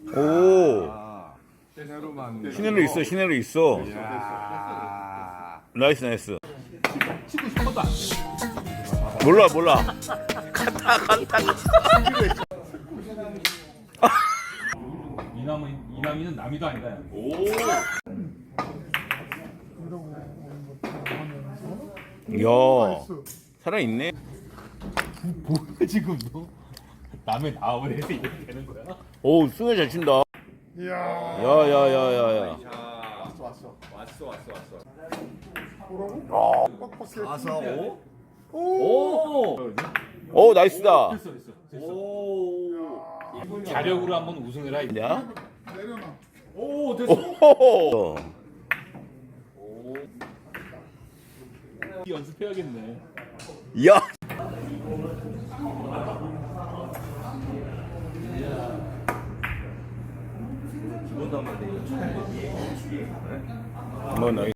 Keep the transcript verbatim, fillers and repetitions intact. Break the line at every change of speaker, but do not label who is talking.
오.
아, 시내로만.
시내로 있어, 시내로 있어.
이야.
나이스, 나이스.
치고 싶어도 안 돼.
몰라, 몰라. 간다, 간다.
이남은 이남이는 남이도 아니다.
오. 이야, 살아있네.
뭐야 지금 너? 남의 나을 해서 이렇게 되는 거야?
오, 승을 잘 친다.
이야.
야, 야, 야, 야, 야.
왔어, 왔어. 왔어, 왔어, 왔어.
사사 오?
오.
오, 나이스다.
됐어 됐어 됐어.
오.
자력으로 한번 우승해라. 이제.
야?
오 됐어.
오호호.
연습해야겠네.
야. 뭐 나이